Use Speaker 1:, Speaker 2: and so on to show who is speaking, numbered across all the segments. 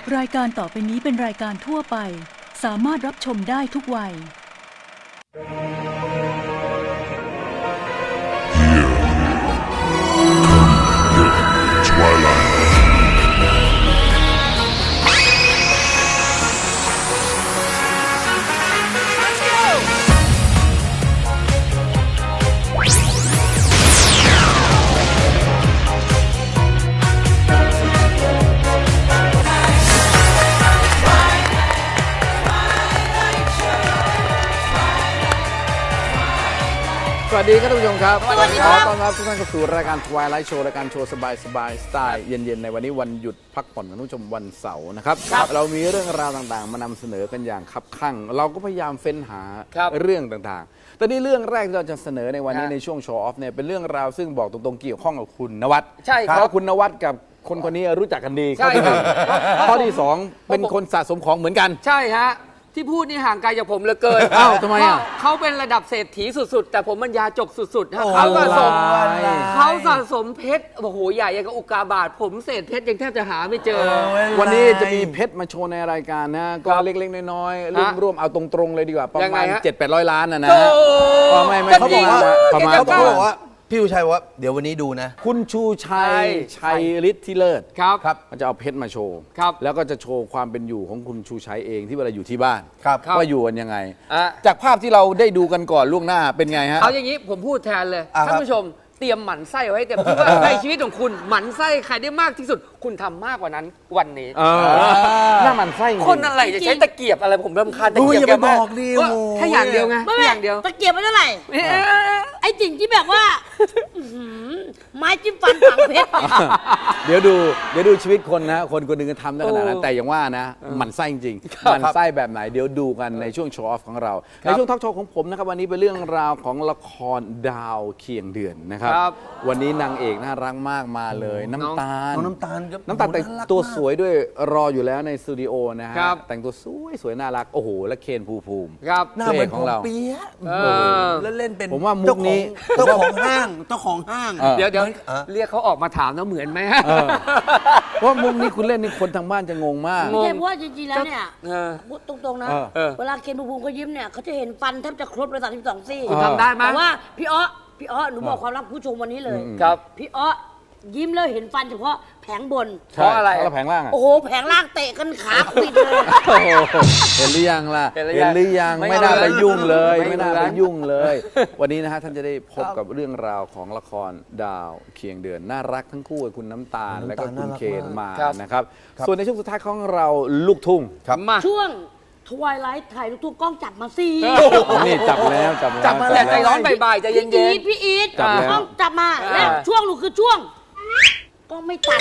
Speaker 1: รายการต่อไปนี้เป็นรายการทั่วไปสามารถรับชมได้ทุกวัย
Speaker 2: สวัสดีครับท่านผู้ชมครับ
Speaker 3: สวัสดีครับ
Speaker 2: ขอต้อนรับทุกท่านเข้าสู่รายการ Twilight Show รายการโชว์สบายสไตล์เย็นๆในวันนี้วันหยุดพักผ่อนของท่านผู้ชมวันเสาร์นะครับเรามีเรื่องราวต่างๆมานำเสนอกันอย่างคับคั่งเราก็พยายามเฟ้นหาเรื่องต่างๆแต่นี่เรื่องแรกที่เราจะเสนอในวันนี้ในช่วงโชว์ออฟเนี่ยเป็นเรื่องราวซึ่งบอกตรงๆเกี่ยวข้องกับคุณนวัด
Speaker 3: ใช่ครับ
Speaker 2: เพราะคุณนวัดกับคนนี้รู้จักกันดีข้อที่หนึ่งข้อที่สองเป็นคนสะสมของเหมือนกัน
Speaker 3: ใช่ฮะที่พูดนี่ห่างไกลจากผมเหลือเกิน
Speaker 2: อ้าวทำไมอ่ะ
Speaker 3: เขาเป็นระดับเศรษฐีสุดๆ แต่ผมมันยาจกสุดๆฮะ
Speaker 2: โอ้
Speaker 3: เขาสะสมเพชรโอ้โหใหญ่ยังกับอุกาบาตผมเศษเพชรยังแทบจะหาไม่เจอ
Speaker 2: วันนี้จะมีเพชรมาโชว์ในรายการนะก็เล็กๆน้อยๆร่วมเอาตรงๆเลยดีกว่าประมาณ 700-800 ล้านนะก็ไม่
Speaker 3: เขาบอกว่า
Speaker 2: ประมาณ
Speaker 4: เขาบอกว่าพี่ชูชัยว่าเดี๋ยววันนี้ดูนะ
Speaker 2: คุณชูชัยฤทธิ์ที่เลิศ
Speaker 3: ครับ
Speaker 2: มันจะเอาเพชรมาโชว์
Speaker 3: ครับ
Speaker 2: แล้วก็จะโชว์ความเป็นอยู่ของคุณชูชัยเองที่เวลาอยู่ที่บ้าน
Speaker 4: ครับ
Speaker 2: ว่าอยู่กันยังไง
Speaker 3: อ่ะ
Speaker 2: จากภาพที่เราได้ดูกันก่อนล่วงหน้าเป็นไงฮะ
Speaker 3: เอาอย่างนี้ผมพูดแทนเลย
Speaker 4: อ่ะ
Speaker 3: ท่านผู้ชมเตรียมหมันไส้ไว้ให้เต็มที่ว่าในชีวิตของคุณหมันไส้ใครได้มากที่สุด คุณทำมากกว่านั้นวันนี้
Speaker 2: หน้ามันไส้จริง
Speaker 3: คนอะไรจะใช้ตะเกียบอะไรผมรำคาญตะ
Speaker 4: ดู
Speaker 3: เกียบ
Speaker 4: อย่า
Speaker 3: แก
Speaker 4: ไปบ
Speaker 3: มาก
Speaker 4: อกดิ
Speaker 3: ว่า
Speaker 4: โอ้
Speaker 3: แค่อย่างเดียวไง
Speaker 5: ไม่
Speaker 3: แค่อย่างเดียว
Speaker 5: ตะเกียบไม่เท่าไหร่
Speaker 3: เอ๊ะ
Speaker 5: ไอ้สิ่งที่แบบว่าอื้อหือไม้จิ้มฟันฝังเพชร
Speaker 2: เดี๋ยวดูชีวิตคนนะคนคนหนึ่งก็ทำได้ขนาดนั้นแต่อย่างว่านะหมันไส้จริงๆหมันไส้แบบไหนเดี๋ยวดูกันในช่วงโชว์ออฟของเรา ในช่วงทอล์กโชว์ของผมนะครับวันนี้เป็นเรื่องราวของละครดาวเคียงเดือนนะครับ
Speaker 3: ครับ
Speaker 2: วันนี้นางเอกน่ารักมากมาเลยน้ำตาล
Speaker 4: น้องน้ำตาลครับ
Speaker 2: น้ำตาลแต่ง
Speaker 4: น่ารัก
Speaker 2: ตัว
Speaker 4: มาก
Speaker 2: สวยด้วยรออยู่แล้วในสตูดิโอนะฮะ
Speaker 3: ครับ
Speaker 2: แต่งตัวสวยน่ารักโอ้โหและเคนภูมิ
Speaker 3: ครับ
Speaker 4: หน้าเหมือน
Speaker 2: พระเอกข
Speaker 4: ข
Speaker 2: อ
Speaker 4: องง
Speaker 2: เรา
Speaker 4: เราเปียะ
Speaker 3: เออ
Speaker 4: แล้วเล่นเป็น
Speaker 2: ผมว่ามุกนี้
Speaker 4: เจ้าของห้างเจ้าของห้าง
Speaker 2: เออ
Speaker 3: เดี๋ยว
Speaker 4: อ่ะ
Speaker 3: เรียกเขาออกมาถามนะเหมือนไหมฮะ
Speaker 2: เพราะว่ามุกนี้คุณเล่นนี่คนทางบ้านจะงงมาก
Speaker 5: ไม่ใช่เพราะว่าจริงๆแล้วเนี่ย
Speaker 3: เออ
Speaker 5: พูดตรงๆนะ
Speaker 2: เออ
Speaker 5: เวลาเคนภูมิเขายิ้มเนี่ยเขาจะเห็นฟันแทบจะครบเลย32ซี่
Speaker 3: คุณทำได้ไหม
Speaker 5: แต่ว่าพี่อ้อหนูบอกความลับผู้ชมวันนี้เลย
Speaker 3: ครับ
Speaker 5: พี่อ้อยิ้มแล้วเห็นฟันเฉพาะแผงบน
Speaker 3: เพราะอะไร
Speaker 2: แล้วแผงล่างอะ
Speaker 5: โอ้โหแผงล่างเตะกันขาปิดเลย
Speaker 2: โอ้โหเห็นหรือยังล่ะ
Speaker 3: เห็นหรือ
Speaker 2: เห็นหรือยัง
Speaker 3: ไม่
Speaker 2: ไม่น่าไปยุ่งเลย
Speaker 3: ไม่
Speaker 2: ไม่น่า
Speaker 3: เหมื
Speaker 2: ไป
Speaker 3: อน
Speaker 2: ยุ่งเลย วันนี้นะฮะท่านจะได้พบกับเรื่องราวของละครดาวเคียงเดือนน่ารักทั้งคู่คุณน้ำตาล และก็คุณเคนมานะครับ ส่วนในช่วงสุดท้ายของเราลูกทุ่ง
Speaker 3: มา
Speaker 5: ช่วงทวายไลท์ถ่ายลูกทุ่งกล้องจับมาสิ
Speaker 2: นี่จับแล้ว
Speaker 3: จับมาแหละใจร้อนบ่ายๆใจเย็
Speaker 5: พี่อี
Speaker 3: น
Speaker 5: ท
Speaker 2: จับแล้ว
Speaker 5: กล้องจับมาแล้วช่วงหนูคือช่วงกล้องไม่ตัด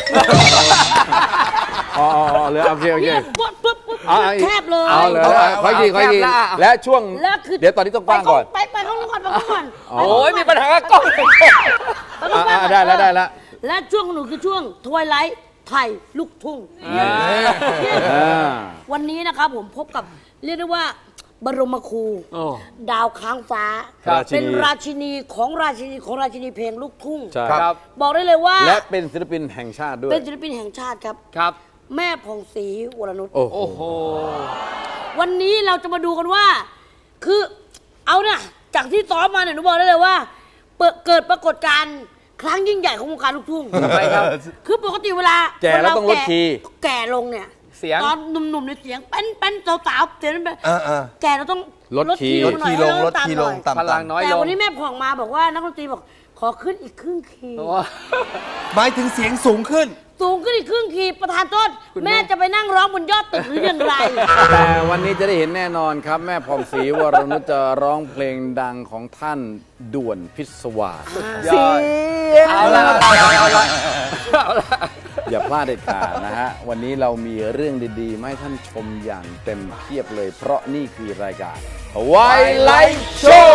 Speaker 2: อ๋อเหลือโอเค
Speaker 5: เนี่ยปุ๊บปุ๊บปุ๊บ
Speaker 2: เอา
Speaker 5: แคบเลย
Speaker 2: เอาเลยค่อยทีและช่วง
Speaker 5: แล้วคือ
Speaker 2: เดี๋ยวตอนนี้ต้องกว้างก่อน
Speaker 5: ไปข้างนู้นก่อนไปข้างนู้นก่อน
Speaker 3: ๆ โอ้ยมีปัญหากับกล้อง
Speaker 5: ไปข้างนู้นก่อน
Speaker 2: ได้แล้ว
Speaker 5: และช่วงของหนูคือช่วงทวายไลท์ไทยลูกทุ่งเนี่ย วันนี้นะครับผมพบกับเรียกได้ว่าบรมครู
Speaker 3: โอ้
Speaker 5: ดาวค้างฟ้า
Speaker 2: ครับ
Speaker 5: เป็นราชินีของราชินีเพลงลูกทุ่ง
Speaker 2: ใช่
Speaker 3: ครับ
Speaker 5: บอกได้เลยว่า
Speaker 2: และเป็นศิลปินแห่งชาติด้วย
Speaker 5: เป็นศิลปินแห่งชาติครับ
Speaker 3: ครับ
Speaker 5: แม่ผ่องศรีวรนุช
Speaker 2: โอ้โห
Speaker 3: โอ้โห
Speaker 5: วันนี้เราจะมาดูกันว่า คือเอาเนี่ยจากที่ซ้อมมาเนี่ยหนูบอกได้เลยว่าเกิดปรากฏการณ์ครั้งยิ่งใหญ่ของวงการลูกทุ่ง
Speaker 3: ทำไมครับ
Speaker 5: คือปกติเวลา
Speaker 2: แก่แล้วต้องลดคีย์
Speaker 5: แก่ลงเนี่ย
Speaker 3: เสียง
Speaker 5: ตอนหนุ่มๆในยเสียงเป็นสาวๆเสียงเป็น แก่เราต้อง
Speaker 2: ลดคีย์
Speaker 4: ลดคีย์ลงลดคีย์ลง
Speaker 5: ต่ำหน่อย
Speaker 4: ต่ำ
Speaker 3: พลังน้อย
Speaker 5: แต่
Speaker 3: ลง
Speaker 5: วันนี้แม่ผ่องมาบอกว่านักดนตรีบอกขอขึ้นอีกครึ่งคีย์
Speaker 3: โอ้
Speaker 4: หมายถึงเสียงสูงขึ้น
Speaker 5: สูงขึ้นอีกครึ่งคีย์ประธานโทษ
Speaker 3: คุณแม่
Speaker 5: แม่จะไปนั่งร้องบนยอดตึกหรืออย่างไร
Speaker 2: แต่วันนี้จะได้เห็นแน่นอนครับ แม่ผ่องศรีวรนุชจะร้องเพลงดังของท่านด่วนพิศวาส
Speaker 3: ยอดเอาละเอาละ
Speaker 2: อย่าพลาดเด็ดขาดนะฮะ วันนี้เรามีเรื่องดีๆมาให้ท่านชมอย่างเต็มเพียบเลย เพราะนี่คือรายการ Twilight Show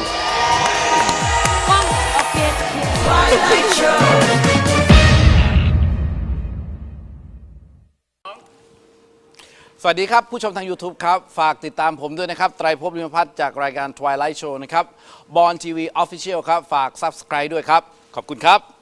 Speaker 5: กล้องโอเค
Speaker 2: สวัสดีครับ ผู้ชมทาง YouTube ครับ ฝากติดตามผมด้วยนะครับ ไตรภพลิมพัฒน์จากรายการ Twilight Show นะครับบอลทีวี Official ครับ ฝาก Subscribe ด้วยครับ ขอบคุณครับ